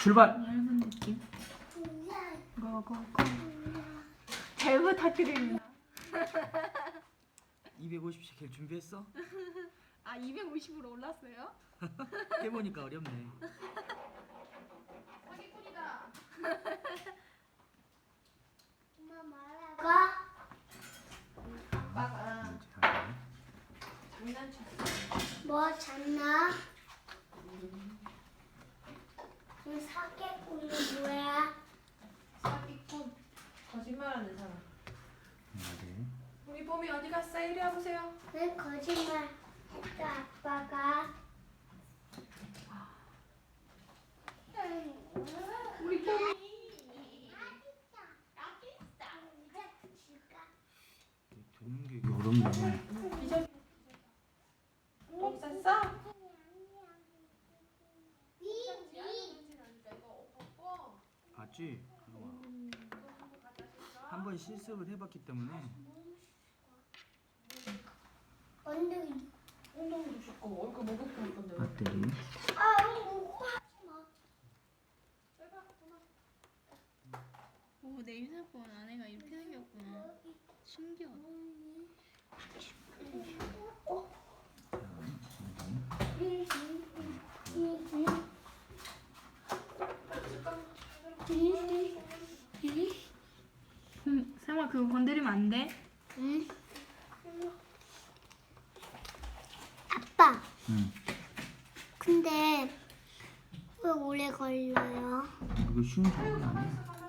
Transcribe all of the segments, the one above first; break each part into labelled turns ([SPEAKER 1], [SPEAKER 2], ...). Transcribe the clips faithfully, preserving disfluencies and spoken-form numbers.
[SPEAKER 1] 출발.
[SPEAKER 2] 얇은 느낌. 고고고. 잘 부탁드립니다.
[SPEAKER 1] 이백오십 시켈 준비했어?
[SPEAKER 2] 아 이백오십으로 올랐어요?
[SPEAKER 1] 해보니까 어렵네.
[SPEAKER 2] 사기꾼이다.
[SPEAKER 3] 엄마 말하고
[SPEAKER 2] 아빠가 장난쳤어.
[SPEAKER 3] 뭐 잤나? 이 사기꾼이 뭐야?
[SPEAKER 2] 사기꾼. 거짓말하는 사람.
[SPEAKER 1] 네.
[SPEAKER 2] 우리 봄이 어디 갔어? 이리 와보세요.
[SPEAKER 3] 왜 거짓말 했다 아빠가?
[SPEAKER 2] 우리 봄이.
[SPEAKER 1] 듣는 게 어렵네.
[SPEAKER 2] 기절. 똥 쌌어?
[SPEAKER 1] 봤지? 한 번 실습을 해봤기 때문에.
[SPEAKER 3] 엉덩이.
[SPEAKER 2] 엉덩이도 씻고 얼굴 목욕 할 건데.
[SPEAKER 1] 배터리.
[SPEAKER 3] 아 이거 하지 마.
[SPEAKER 2] 오, 내 휴대폰 안에가 이렇게 생겼구나. 신기하다. 음, 세마 그거 건드리면 안 돼?
[SPEAKER 3] 응. 아빠.
[SPEAKER 1] 응.
[SPEAKER 3] 근데 왜 오래 걸려요?
[SPEAKER 1] 이거 쉬운 작업이 아니야.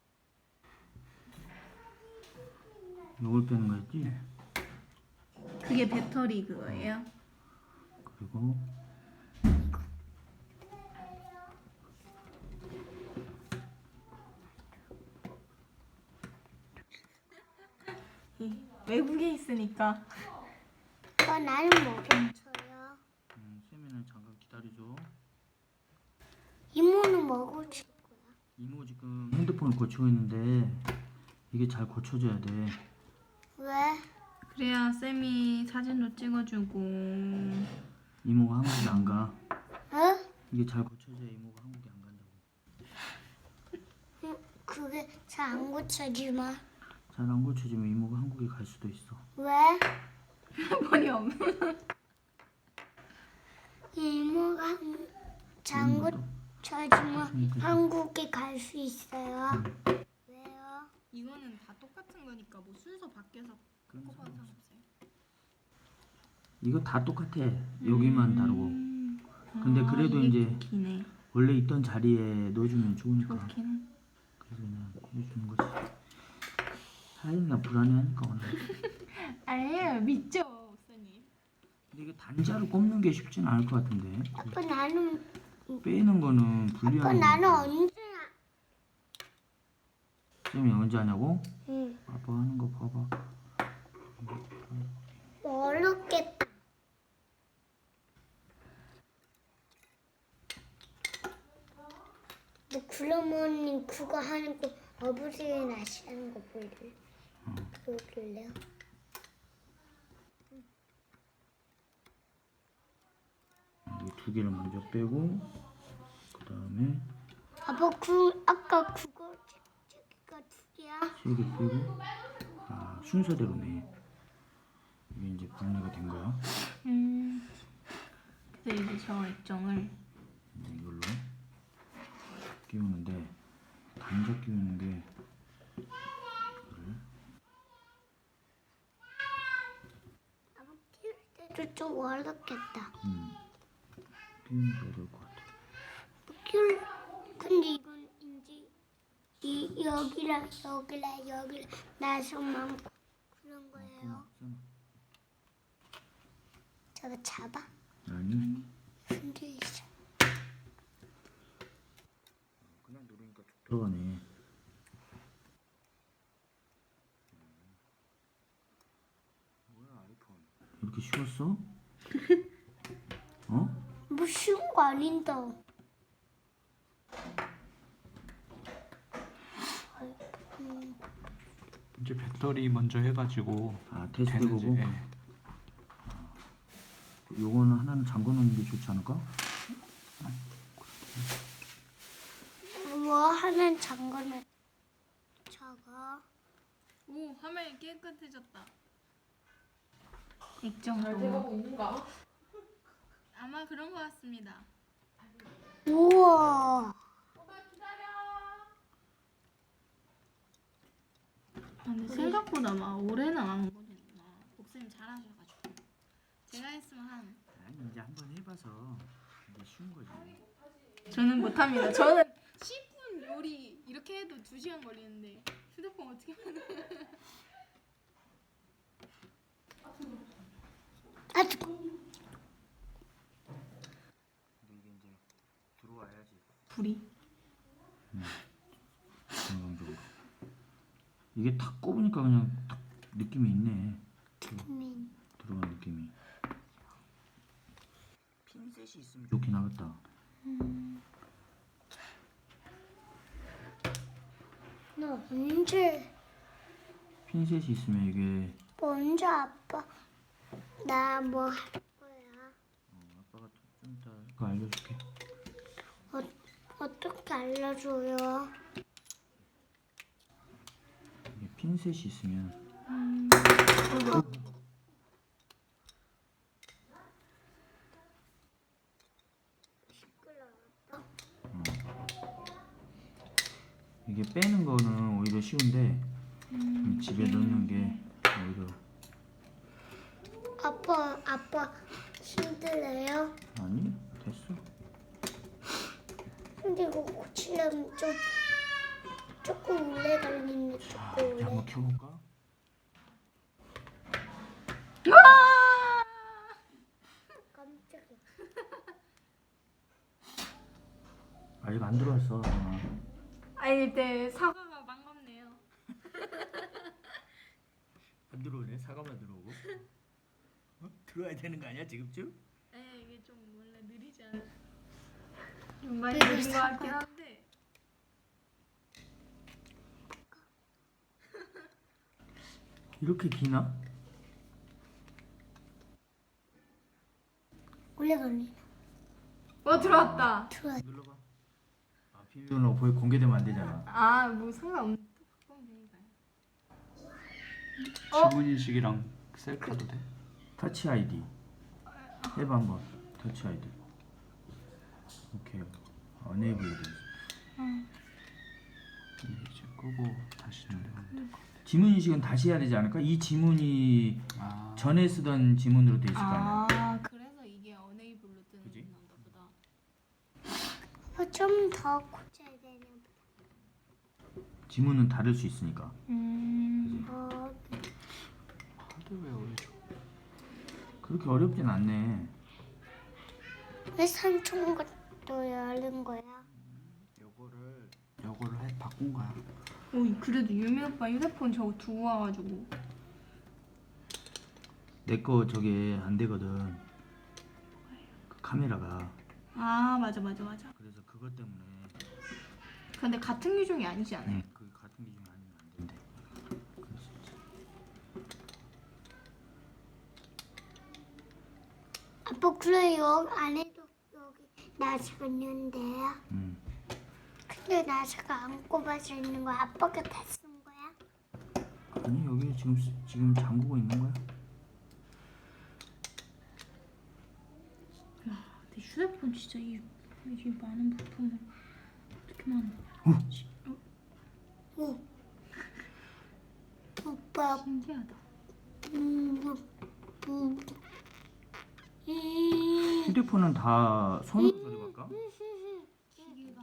[SPEAKER 1] 이걸 빼는 거였지?
[SPEAKER 2] 그게 배터리 그거예요?
[SPEAKER 1] 그리고
[SPEAKER 2] 외국에 있으니까.
[SPEAKER 3] 어, 나는 못 쳐요.
[SPEAKER 1] 음, 세미는 잠깐 기다려줘.
[SPEAKER 3] 이모는 먹을 줄 거야.
[SPEAKER 1] 이모 지금 핸드폰을 고치고 있는데 이게 잘 고쳐져야 돼.
[SPEAKER 3] 왜?
[SPEAKER 2] 그래야 쌤이 사진도 찍어주고.
[SPEAKER 1] 이모가 한국에 안 가.
[SPEAKER 3] 어?
[SPEAKER 1] 이게 잘 고쳐져야 이모가 한국에 안 간다고.
[SPEAKER 3] 응, 그게 잘 안 고쳐지마.
[SPEAKER 1] 잘 안 고쳐지면 이모가 한국에 갈 수도 있어.
[SPEAKER 3] 왜?
[SPEAKER 2] 머리 없는.
[SPEAKER 3] 이모가 잘 안
[SPEAKER 1] 이모도?
[SPEAKER 3] 고쳐지면 한국에 갈 수 있어요. 왜요?
[SPEAKER 2] 이거는 다 똑같은 거니까 뭐 순서 바뀌어서
[SPEAKER 1] 그런
[SPEAKER 2] 꼽아서
[SPEAKER 1] 상관없어.
[SPEAKER 2] 없어요.
[SPEAKER 1] 이거 다 똑같아. 여기만 다르고.
[SPEAKER 2] 음.
[SPEAKER 1] 근데
[SPEAKER 2] 아,
[SPEAKER 1] 그래도
[SPEAKER 2] 이게
[SPEAKER 1] 이제
[SPEAKER 2] 기네.
[SPEAKER 1] 원래 있던 자리에 넣어주면 좋으니까.
[SPEAKER 2] 좋긴.
[SPEAKER 1] 그래서 그냥 해주는 거지. 하인나 불안해하니까 오늘.
[SPEAKER 2] 아니에요, 믿죠, 목사님.
[SPEAKER 1] 근데 이게 단자로 꼽는 게 쉽진 않을 것 같은데.
[SPEAKER 3] 아빠 나는
[SPEAKER 1] 빼는 거는
[SPEAKER 3] 아빠
[SPEAKER 1] 불리한.
[SPEAKER 3] 나는 언제?
[SPEAKER 1] 쌤이 언제 하냐고?
[SPEAKER 3] 응.
[SPEAKER 1] 아빠 하는 거 봐봐.
[SPEAKER 3] 어렵겠다. 너 그러면 그거 하는 거 어부지에 낚시 하는 거 볼래?
[SPEAKER 1] 어.
[SPEAKER 3] 그거 볼래요?
[SPEAKER 1] 이 두 개를 먼저 빼고 그 다음에
[SPEAKER 3] 아빠 그 아까 그거 저기가 두 개야?
[SPEAKER 1] 세 개 빼고. 아, 순서대로네. 이게 이제 분리가 된 거야.
[SPEAKER 2] 음. 그래서 이제 저 액정을
[SPEAKER 1] 이제 이걸로 끼우는데 단자 끼우는 게 이거를
[SPEAKER 3] 아빠 키울 때도 좀 어렵겠다.
[SPEAKER 1] 음, 끼우는 게 어려울 것 같아.
[SPEAKER 3] 키울 근데 이건 이제 이 여기랑 여기랑 여기랑 나서만 그런 거예요.
[SPEAKER 1] 끊어,
[SPEAKER 3] 저거 잡아?
[SPEAKER 1] 아니,
[SPEAKER 3] 흔들리죠.
[SPEAKER 1] 그냥 누르니까 쭉 들어가네. 뭐야 아이폰? 이렇게 쉬웠어? 어?
[SPEAKER 3] 뭐 쉬운 거 아닌데.
[SPEAKER 4] 이제 배터리 먼저 해가지고
[SPEAKER 1] 아 테스트
[SPEAKER 4] 되는지.
[SPEAKER 1] 보고.
[SPEAKER 4] 예.
[SPEAKER 1] 요거는 하나는 잠궈 놓는 게 좋지 않을까?
[SPEAKER 3] 하는 잠그는 저거.
[SPEAKER 2] 오, 화면이 깨끗해졌다. 액정
[SPEAKER 5] 잘
[SPEAKER 2] 도
[SPEAKER 5] 돼가고 있는가?
[SPEAKER 2] 아마 그런 것 같습니다.
[SPEAKER 3] 우와.
[SPEAKER 5] 엄마 기다려.
[SPEAKER 2] 아, 근데 생각보다 막 오래는 안 걸리구나. 목사님 잘하셔가지고. 제가 했으면 한
[SPEAKER 1] 아니 이제 한번 해봐서 이제 쉬운 거지.
[SPEAKER 2] 저는 못합니다. 저는 십 분 요리 이렇게 해도 두 시간 걸리는데 휴대폰 어떻게 하는?
[SPEAKER 3] 아,
[SPEAKER 1] 근데 이게 이제 들어와야지
[SPEAKER 2] 불이.
[SPEAKER 1] 건강적으로. 이게 탁 꼽으니까 그냥 탁 느낌이 있네.
[SPEAKER 3] 민.
[SPEAKER 1] 들어간 느낌이. 핀셋이 있으면 좋긴 하겠다.
[SPEAKER 3] 너 언제
[SPEAKER 1] 핀셋이 있으면 이게
[SPEAKER 3] 먼저 아빠 나 뭐 할 거야?
[SPEAKER 1] 어, 아빠가 좀 이따 그거 알려줄게.
[SPEAKER 3] 어, 어떻게 알려줘요?
[SPEAKER 1] 이게 핀셋이 있으면 이게 빼는 거는 오히려 쉬운데 음, 집에 넣는 게 오히려
[SPEAKER 3] 아빠 아빠 힘들어요?
[SPEAKER 1] 아니 됐어.
[SPEAKER 3] 근데 이거 고치려면 좀 조금 오래 걸리네.
[SPEAKER 1] 자
[SPEAKER 3] 조금
[SPEAKER 1] 이제 한번
[SPEAKER 3] 오래.
[SPEAKER 1] 켜볼까?
[SPEAKER 3] 깜짝이야.
[SPEAKER 1] 아직 안 들어왔어. 아,
[SPEAKER 2] 아니 이때 사과가 반갑네요.
[SPEAKER 1] 안 들어오네. 사과만 들어오고. 어? 들어와야 되는 거 아니야 지금쯤?
[SPEAKER 2] 네, 이게 좀 원래 느리지 않아. 좀 많이
[SPEAKER 3] 되게
[SPEAKER 2] 느린 것 같긴
[SPEAKER 3] 사과.
[SPEAKER 2] 한데.
[SPEAKER 1] 이렇게 기나?
[SPEAKER 3] 오래 걸리네.
[SPEAKER 2] 어 들어왔다.
[SPEAKER 3] 들어와.
[SPEAKER 1] 눌러봐. 아 비밀번호 보이 공개되면 안 되잖아.
[SPEAKER 2] 아 뭐 상관없는. 바꾸면 되니까요. 어?
[SPEAKER 4] 지문 인식이랑 셀카도 돼.
[SPEAKER 1] 터치 아이디. 해봐 한번. 터치 아이디. 오케이. 어네이블 돼.
[SPEAKER 4] 근데 이제 끄고 다시 누르면 될 것 같아.
[SPEAKER 1] 지문 인식은 다시 해야 되지 않을까? 이 지문이
[SPEAKER 4] 아,
[SPEAKER 1] 전에 쓰던 지문으로 돼 있을 거 아니야.
[SPEAKER 2] 아 그래서 이게 어네이블로 뜨는
[SPEAKER 1] 그지?
[SPEAKER 2] 건가 보다.
[SPEAKER 3] 어, 좀 더 고쳐야 되나
[SPEAKER 1] 지문은 다를 수 있으니까.
[SPEAKER 2] 음.
[SPEAKER 3] 어,
[SPEAKER 4] 하드웨어 위주.
[SPEAKER 1] 그렇게 어렵진 않네.
[SPEAKER 3] 왜 삼촌 것도 열린 거야?
[SPEAKER 4] 요거를 요거를 해 바꾼 거야.
[SPEAKER 2] 오 그래도 유미 오빠 휴대폰 저거 두고 와가지고.
[SPEAKER 1] 내 거 저게 안 되거든. 그 카메라가.
[SPEAKER 2] 아 맞아 맞아 맞아.
[SPEAKER 1] 그래서 그것 때문에
[SPEAKER 2] 근데 같은 규정이 아니지 않아요?
[SPEAKER 1] 응, 그 같은 기준이 아니면 안 된대. 그래서 이제
[SPEAKER 3] 아빠 그래 여기 안에도 여기 나사가 있는데요.
[SPEAKER 1] 음.
[SPEAKER 3] 근데 나사가 안 꼽아져 있는 거야. 아빠가 다 쓴 거야?
[SPEAKER 1] 아니 여기 지금 쓰- 지금 잠그고 있는 거야?
[SPEAKER 2] 내 휴대폰 진짜 이, 이 많은 부품을 어떻게 만드냐.
[SPEAKER 3] 오. 오빠
[SPEAKER 2] 신기하다.
[SPEAKER 3] 음, 음, 음.
[SPEAKER 1] 휴대폰은 다 손으로 조립할까?
[SPEAKER 2] 기계가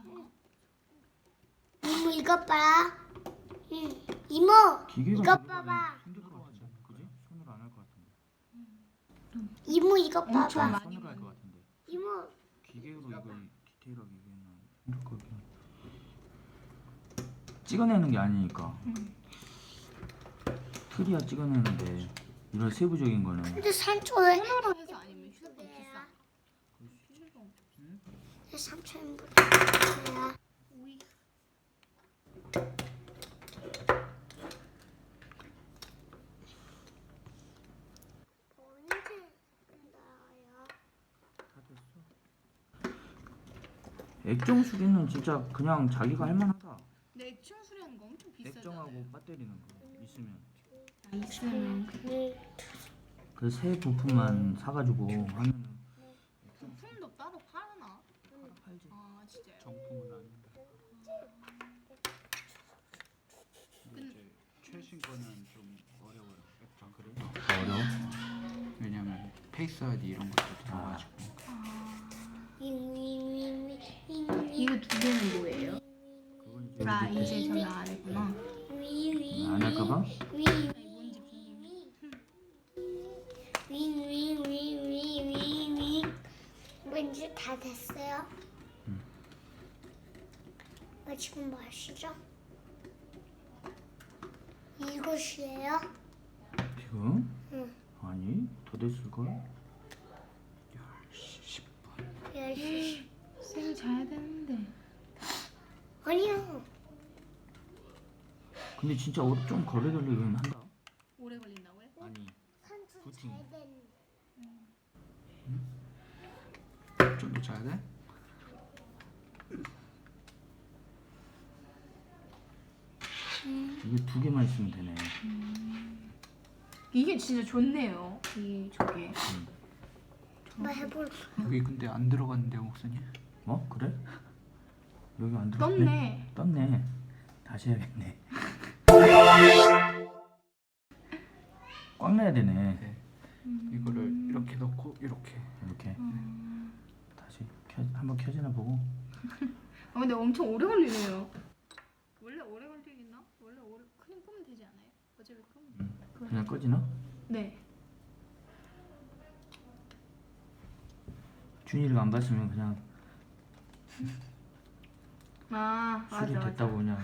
[SPEAKER 3] 이모 이것 봐. 응. 이모
[SPEAKER 1] 기계가
[SPEAKER 3] 이것
[SPEAKER 1] 조립하면
[SPEAKER 3] 봐봐.
[SPEAKER 1] 힘들 것 같은데, 그지? 손으로 안 할 것 같은데.
[SPEAKER 3] 이모 이것
[SPEAKER 2] 엄청
[SPEAKER 3] 봐봐.
[SPEAKER 2] 많이
[SPEAKER 1] 손으로 할 것
[SPEAKER 2] 만들-
[SPEAKER 1] 같은데.
[SPEAKER 3] 이모
[SPEAKER 1] 기계로 이거 디테일하게 이거는 힘들 것 같긴 한데. 찍어내는 게 아니니까.
[SPEAKER 2] 음.
[SPEAKER 1] 틀이야 찍어내는데 이런 세부적인 거는
[SPEAKER 3] 근데 삼촌
[SPEAKER 2] 손으로 해서 아니면 휴대폰 비싸.
[SPEAKER 3] 왜 삼촌보다 비싸야?
[SPEAKER 2] 오이.
[SPEAKER 3] 언제 나와요?
[SPEAKER 1] 다 됐어. 액정 수리는 진짜 그냥 자기가 할 만하다.
[SPEAKER 2] 근데 액정 수리하는 거 엄청 비싸잖아요.
[SPEAKER 1] 액정하고 배터리는 거 있으면
[SPEAKER 2] 아, 있으면
[SPEAKER 3] 네.
[SPEAKER 1] 그 새 부품만 사가지고 하면은
[SPEAKER 2] 부품도 따로 팔나?
[SPEAKER 1] 팔지.
[SPEAKER 2] 아 진짜요?
[SPEAKER 4] 정품은 아닌데. 근데 이제 최신 거는 좀 어려워요. 액정 그래요?
[SPEAKER 1] 어려워?
[SPEAKER 4] 왜냐면 페이스 아이디 이런 것도 들어가지고.
[SPEAKER 3] 윙윙윙윙
[SPEAKER 2] 이거 두 개는 뭐예요?
[SPEAKER 1] 그건 이제
[SPEAKER 2] 아
[SPEAKER 1] 우리
[SPEAKER 2] 이제 저기 아래구나.
[SPEAKER 1] 안 할까봐?
[SPEAKER 2] 뭔지 궁금해.
[SPEAKER 3] 윙윙윙윙윙윙 왠지 다 됐어요?
[SPEAKER 1] 응.
[SPEAKER 3] 어, 지금 뭐 하시죠? 이것이에요?
[SPEAKER 1] 지금?
[SPEAKER 3] 응.
[SPEAKER 1] 아니 더 됐을 걸?
[SPEAKER 4] 십 분.
[SPEAKER 3] 열시
[SPEAKER 2] 쌤 자야 되는데.
[SPEAKER 3] 아니요.
[SPEAKER 1] 근데 진짜 어- 좀 거래 걸리긴 한다.
[SPEAKER 2] 오래 걸린다고요?
[SPEAKER 1] 아니
[SPEAKER 3] 한숨
[SPEAKER 1] 부팅.
[SPEAKER 3] 자야 되는데.
[SPEAKER 4] 좀 더 자야 돼?
[SPEAKER 1] 이게 두 개만 있으면 되네.
[SPEAKER 2] 이게 진짜 좋네요. 이 저게.
[SPEAKER 3] 뭐 해볼
[SPEAKER 4] 여기 근데 안 들어갔는데요, 목사님?
[SPEAKER 1] 어? 그래? 여기 안 들어갔네?
[SPEAKER 2] 떴네.
[SPEAKER 1] 떴네. 다시 해야겠네. 꽉 내야 되네.
[SPEAKER 4] 네. 이거를 이렇게 넣고 이렇게.
[SPEAKER 1] 이렇게 다시 켜, 한번 켜지나 보고.
[SPEAKER 2] 아 근데 엄청 오래 걸리네요. 원래 오래 걸리겠나? 원래 오래 그냥 끄면 되지 않아요? 어차피 끄면.
[SPEAKER 1] 그냥 꺼지나?
[SPEAKER 2] 네.
[SPEAKER 1] 준이를 안 봤으면 그냥
[SPEAKER 2] 아 맞아
[SPEAKER 1] 술이
[SPEAKER 2] 맞아.
[SPEAKER 1] 됐다고 그냥.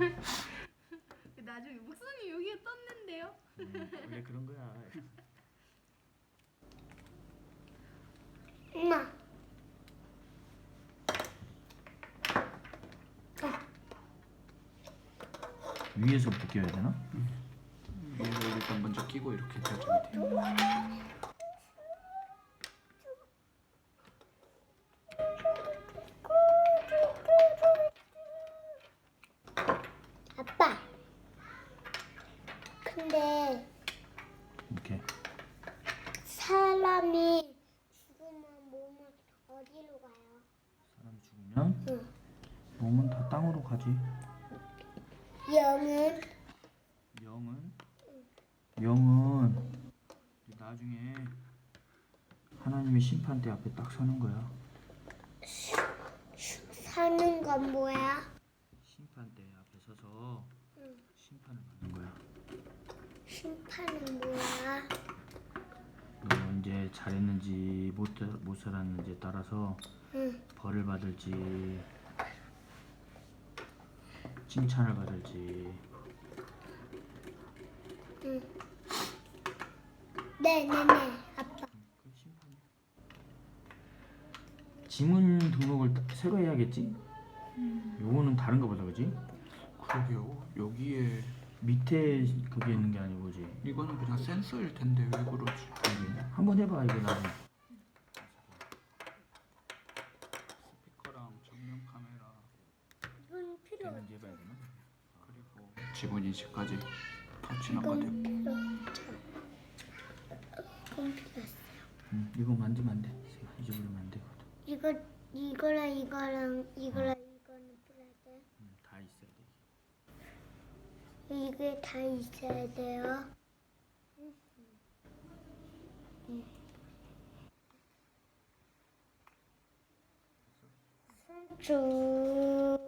[SPEAKER 2] 나중에 목사님 여기에 떴는데요.
[SPEAKER 1] 음, 원래 그런 거야.
[SPEAKER 3] 엄마.
[SPEAKER 1] 위에서부터 껴야 되나?
[SPEAKER 4] 이걸 일단 먼저 끼고 이렇게 펴주면 돼요.
[SPEAKER 3] 아빠. 근데
[SPEAKER 1] 이렇게.
[SPEAKER 3] 사람이 죽으면 몸은 어디로 가요?
[SPEAKER 1] 사람이 죽으면
[SPEAKER 3] 응.
[SPEAKER 1] 몸은 다 땅으로 가지.
[SPEAKER 3] 영은
[SPEAKER 1] 영은 영은 나중에 하나님의 심판대 앞에 딱 서는 거야.
[SPEAKER 3] 사는 건 뭐야?
[SPEAKER 1] 심판대 앞에 서서
[SPEAKER 3] 응.
[SPEAKER 1] 심판을 받는 거야.
[SPEAKER 3] 심판은 뭐야?
[SPEAKER 1] 너 언제 잘했는지 못, 못 살았는지에 따라서
[SPEAKER 3] 응.
[SPEAKER 1] 벌을 받을지 칭찬을 받을지.
[SPEAKER 3] 응. 네네네 아빠.
[SPEAKER 1] 그 심판이야. 지문 등록을 따- 새로 해야겠지? 요거는 다른가 보다, 그지?
[SPEAKER 4] 그러게요. 여기에
[SPEAKER 1] 밑에 그게 있는 게 아니고, 그지?
[SPEAKER 4] 이거는 그냥 센서일 텐데 왜 그러지?
[SPEAKER 1] 한번 해봐, 이거 나중에.
[SPEAKER 4] 스피커랑 정면 카메라
[SPEAKER 3] 이건 필요 없어.
[SPEAKER 1] 되는지 해봐야 되나?
[SPEAKER 4] 그리고 지문 인식까지 다 지나가야
[SPEAKER 3] 이건
[SPEAKER 4] 되고.
[SPEAKER 3] 필요 없어. 이건 필요 없어.
[SPEAKER 1] 응, 이거 만지면 안 돼. 잊어버리면 안 되거든.
[SPEAKER 3] 이거 이거랑 이거랑 이거랑 이거는 필요해 돼.
[SPEAKER 1] 응, 다 있어야 돼.
[SPEAKER 3] 이게 다 있어야 돼요. 삼촌.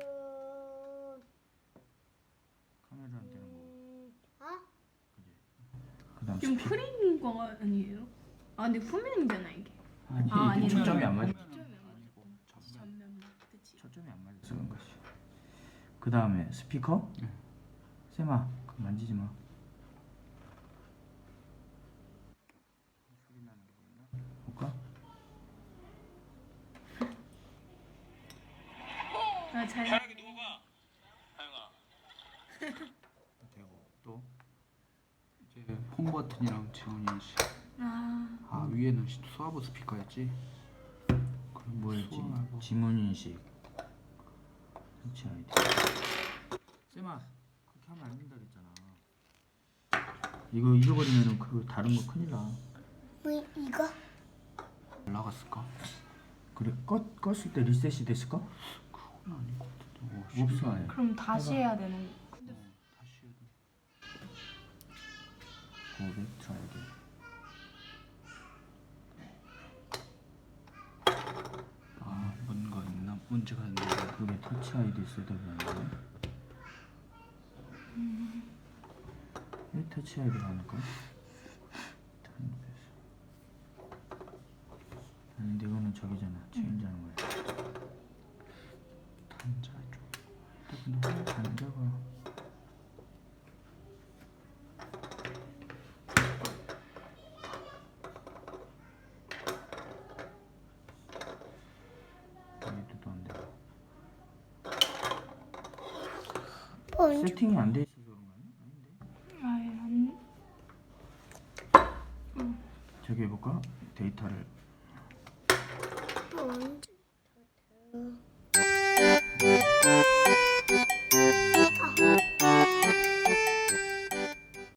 [SPEAKER 1] 카메라는 되는 거고.
[SPEAKER 3] 어?
[SPEAKER 1] 그 다음
[SPEAKER 2] 지금
[SPEAKER 1] 스피커.
[SPEAKER 2] 프린 거 아니에요? 아 근데 후면이잖아 이게.
[SPEAKER 1] 아니,
[SPEAKER 2] 아,
[SPEAKER 1] 이게
[SPEAKER 2] 아니네.
[SPEAKER 1] 초점이 안 맞아.
[SPEAKER 2] 초점이 안
[SPEAKER 4] 아니고
[SPEAKER 2] 맞아.
[SPEAKER 4] 전면.
[SPEAKER 2] 전면만 그치.
[SPEAKER 1] 초점이 안 맞아 쓰는 것이. 그 다음에 스피커?
[SPEAKER 4] 네.
[SPEAKER 1] 쌤아, 그거 만지지 마. 소리 나는 게 있나? 볼까?
[SPEAKER 2] 아 잘.
[SPEAKER 1] 되고 또
[SPEAKER 4] 이제 홈 버튼이랑 지문 인식.
[SPEAKER 2] 아
[SPEAKER 4] 아 위에는 시- 수화보 스피커였지.
[SPEAKER 1] 뭐였지?
[SPEAKER 4] 수험하고.
[SPEAKER 1] 지문인식. 터치 아이디. 쌤아, 그렇게 하면 안 된다 그랬잖아. 이거 잃어버리면은 그 다른 거 큰일 나.
[SPEAKER 3] 뭐 이거?
[SPEAKER 4] 올라갔을까?
[SPEAKER 1] 그래, 껐 껐을 때 리셋이 됐을까?
[SPEAKER 4] 그건 아닌 것 같은데. 오,
[SPEAKER 1] 없어 아예.
[SPEAKER 2] 그럼 다시
[SPEAKER 1] 해봐.
[SPEAKER 2] 해야 되는.
[SPEAKER 4] 어, 다시 해야 돼.
[SPEAKER 1] 고백 트라이드.
[SPEAKER 4] 아, 뭔가 있나? 문제가 있는데.
[SPEAKER 1] 그게 터치 아이디 셋업이었는데. 왜 터치 아이디가 아닐까? 아닌데 이거는 저기잖아. 체인지하는 거야.
[SPEAKER 4] 단자 쪽.
[SPEAKER 1] 근데 왜 단자가 여기도 안 돼.
[SPEAKER 3] 언제?
[SPEAKER 1] 세팅이 안 돼 있어서 그런 거 아니야? 아닌데.
[SPEAKER 2] 아예 안.
[SPEAKER 1] 저기 해볼까? 데이터를
[SPEAKER 3] 언제? 더